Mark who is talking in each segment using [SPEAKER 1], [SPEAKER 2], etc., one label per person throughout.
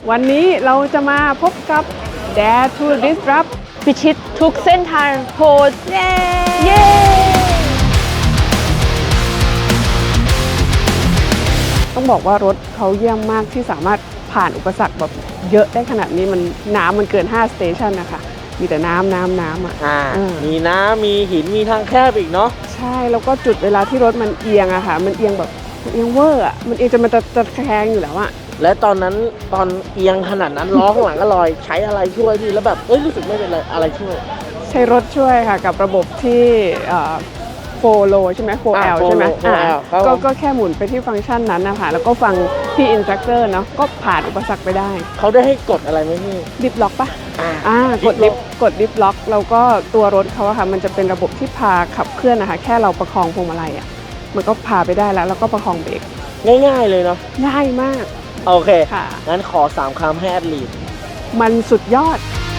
[SPEAKER 1] วันนี้เราจะมาพบกับ Dare to Disrupt
[SPEAKER 2] พิชิตทุกเส้นทางโหดเย้
[SPEAKER 1] ต้องบอกว่ารถเขาเยี่ยมมากที่สามารถผ่านอุปสรรคแบบเยอะได้ขนาดนี้น้ำมันเกิน5 สเตชันนะคะมีแต่น้ำอ่ะ
[SPEAKER 3] มีน้ำมีหินมีทางแคบอีกเนาะ
[SPEAKER 1] ใช่แล้วก็จุดเวลาที่รถมันเอียงอะค่ะมันเอียงแบบเอียงเวอร์อะมันเอียงจนมันจะแคงอยู่แล้วอะ
[SPEAKER 3] และตอนนั้นตอนเอียงขนาดนั้นล้อข้างหลังก็ลอยใช้อะไรช่วยพี่แล้วแบบรู้สึกไม่เป็นไรอะไรช่วย
[SPEAKER 1] ใช้รถช่วยค่ะกับระบบที่4 โลใช่ไหม 4L ใช่ไหมก็แค่หมุนไปที่ฟังก์ชันนั้นนะคะแล้วก็ฟังพี่อินสตรัคเตอร์เนาะก็ผ่านอุปสรรคไปได้
[SPEAKER 3] เขาได้ให้กดอะไรไหมพี่
[SPEAKER 1] ดิฟล็อกปะกดดิฟล็อกแล้วก็ตัวรถเขาอะค่ะมันจะเป็นระบบที่พาขับเคลื่อนนะคะแค่เราประคองพวงมาลัยอะมันก็พาไปได้แล้วก็ประคองเบรก
[SPEAKER 3] ง่ายๆเลยเนาะ
[SPEAKER 1] ง่ายมาก
[SPEAKER 3] โอเค
[SPEAKER 1] ค่ะ
[SPEAKER 3] งั้นขอ3 คำให้แอดลีด
[SPEAKER 1] มันสุดยอด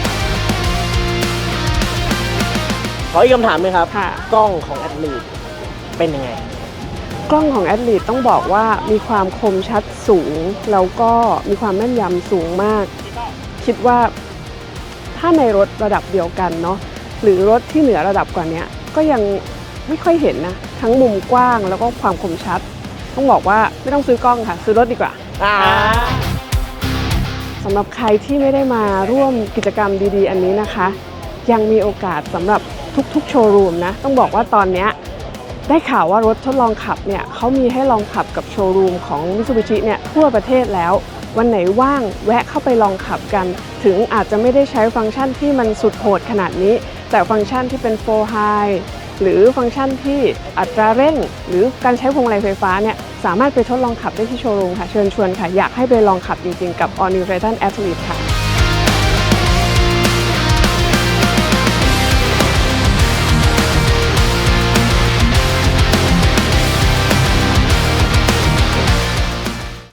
[SPEAKER 3] ขออีกคำถามไหมครับ
[SPEAKER 1] ค่ะ
[SPEAKER 3] กล้องของแอดลีดเป็นยังไง
[SPEAKER 1] กล้องของแอดลีดต้องบอกว่ามีความคมชัดสูงแล้วก็มีความแม่นยำสูงมากคิดว่าถ้าในรถระดับเดียวกันเนาะหรือรถที่เหนือระดับกว่านี้ก็ยังไม่ค่อยเห็นนะทั้งมุมกว้างแล้วก็ความคมชัดต้องบอกว่าไม่ต้องซื้อกล้องค่ะซื้อรถดีกว่าสำหรับใครที่ไม่ได้มาร่วมกิจกรรมดีๆอันนี้นะคะยังมีโอกาสสำหรับทุกๆโชว์รูมนะต้องบอกว่าตอนนี้ได้ข่าวว่ารถทดลองขับเนี่ยเขามีให้ลองขับกับโชว์รูมของ Mitsubishi เนี่ยทั่วประเทศแล้ววันไหนว่างแวะเข้าไปลองขับกันถึงอาจจะไม่ได้ใช้ฟังก์ชันที่มันสุดโหดขนาดนี้แต่ฟังก์ชันที่เป็น 4 High หรือฟังก์ชันที่อัตราเร่งหรือการใช้พวงมาลัยไฟฟ้าเนี่ยสามารถไปทดลองขับได้ที่โชว์รูมค่ะเชิญชวนค่ะอยากให้ไปลองขับจริงๆกับ All New Titan Athlete ค่ะ